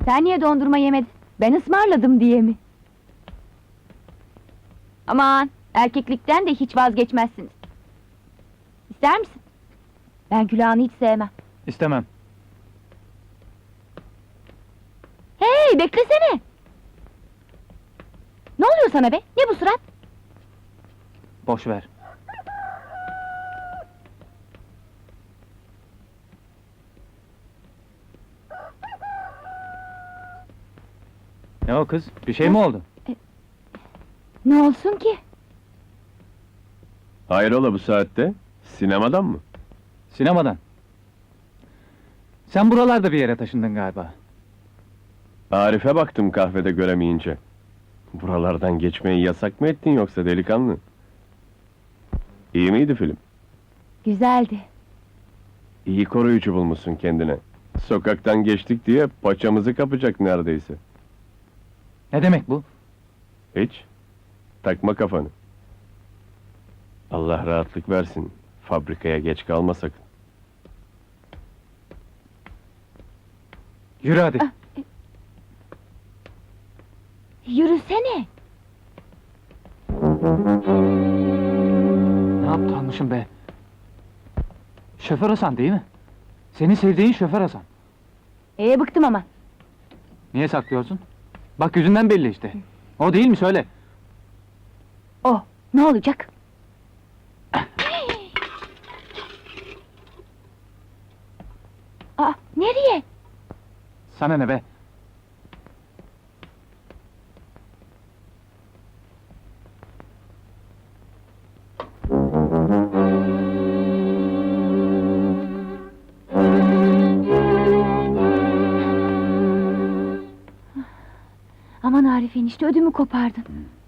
Sen niye dondurma yemedin? Ben ısmarladım diye mi? Aman, erkeklikten de hiç vazgeçmezsiniz. İster misin? Ben külahını hiç sevmem. İstemem. Hey, beklesene! Ne oluyor sana be? Ne bu surat? Boş ver. Ne o kız? Bir şey mi oldu? Ne olsun ki? Hayrola bu saatte? Sinemadan mı? Sinemadan. Sen buralarda bir yere taşındın galiba. Arif'e baktım kahvede göremeyince. Buralardan geçmeyi yasak mı ettin yoksa delikanlı? İyi miydi film? Güzeldi. İyi koruyucu bulmuşsun kendine. Sokaktan geçtik diye paçamızı kapacak neredeyse. Ne demek bu? Hiç. Takma kafanı. Allah rahatlık versin. Fabrikaya geç kalma sakın. Yürü hadi. Yürüsene! Ne aptalmışım be? Şoför Hasan değil mi? Seni sevdiğin şoför Hasan. Bıktım ama. Niye saklıyorsun? Bak yüzünden belli işte. O değil mi söyle? O, ne olacak? Aa, nereye? Sana ne be? Aman Arif enişte, ödümü kopardın.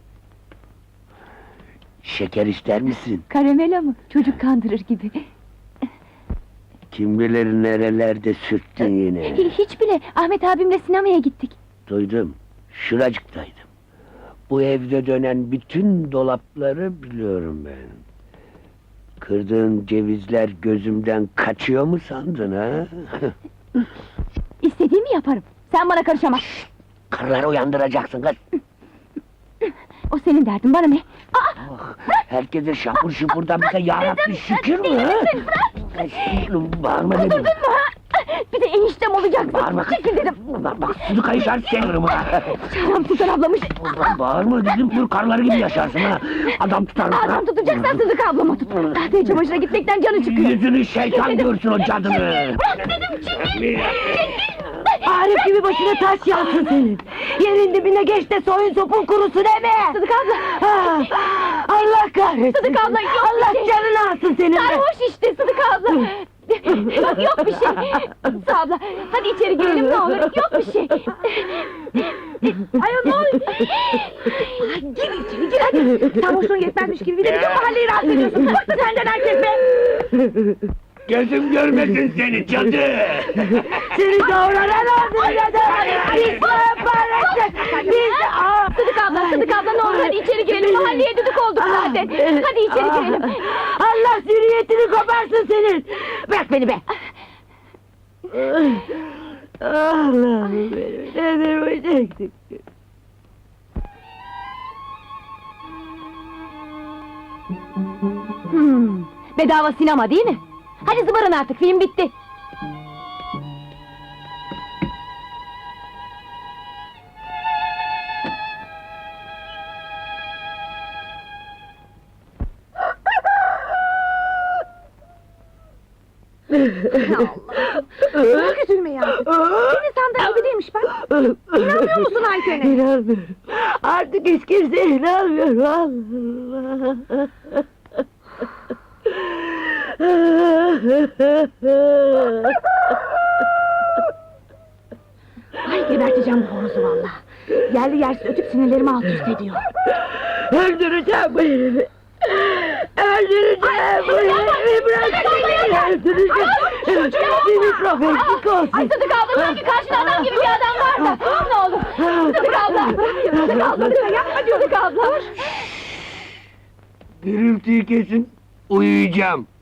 Şeker ister misin? Karamela mı? Çocuk kandırır gibi. Kim bilir nerelerde sürttün yine. Hiç bile, Ahmet abimle sinemaya gittik. Duydum, şuracıktaydım. Bu evde dönen bütün dolapları biliyorum ben. Kırdığın cevizler gözümden kaçıyor mu sandın ha? İstediğimi yaparım. Sen bana karışamazsın. Karıları uyandıracaksın kız. O senin derdin, bana ne? Aa! Oh, herkese şapur şupurdan bize yarabbi şükür mü ha? Bağırma dedim. Durdun mu ha? Bir de eniştem olacak. Bağırma kız. Çekil dedim. Bak suyu kayışar senirim ha. Adam tutar ablamış. Bağırma dedim, dur karıları gibi yaşarsın ha. Adam tutar mısın? Adam tutacaksan Sıdık ablama tut. Tahtaya çamaşıra gitmekten canı çıkıyor. Yüzünü şeytan görsün o cadını. Bırak dedim, çekil! Arif gibi başına taş yansın senin. Yerin dibine geç de soyun sopun kurusun eme. Sıdık abla! Ha, Allah kahretsin. Sıdık abla, yok Allah bir şey. canını alsın senin. Sarhoş işte Sıdık abla! Bak yok bir şey! Sıdık abla, hadi içeri girelim ne olur, yok bir şey! Ayol ne oluyor? Gir içeri gir hadi. Sarhoşluğun yetmezmiş gibi bir de bütün mahalleyi rahatsız ediyorsun. Bıktı senden herkes be. Gözüm görmesin seni cadı! Seni doğranan oldu ya da. Biz parası. Biz... Sıdık abla ne olur hadi içeri girelim, mahalleye düdük olduk zaten! Hadi içeri girelim! Allah zürriyetini koparsın senin. Bırak beni be. Allah'ım benim, nedir bu çektik? Bedava sinema değil mi? Hadi zıbarın artık, film bitti! Bırak üzülmeyi artık. Senin sandığın gibi değilmiş bak. İnanmıyor musun Ayten'e? İnanmıyorum. Artık hiç kimseye inanmıyorum. Allah. Ay geberteceğim bu horozu valla! Yerli yersiz ötüp sinirlerimi alt üst ediyor! Öldüreceğim bu herifi. Öldüreceğim bu herifi. Bırak beni. Öldüreceğim. Bir mikrofon olsun. Ay Sıdık abla, sanki karşında adam gibi bir adam var da! Ne olur! Sıdık abla! Sıdık abla! Yapma diyor Sıdık abla! Gürültüyü kesin, uyuyacağım.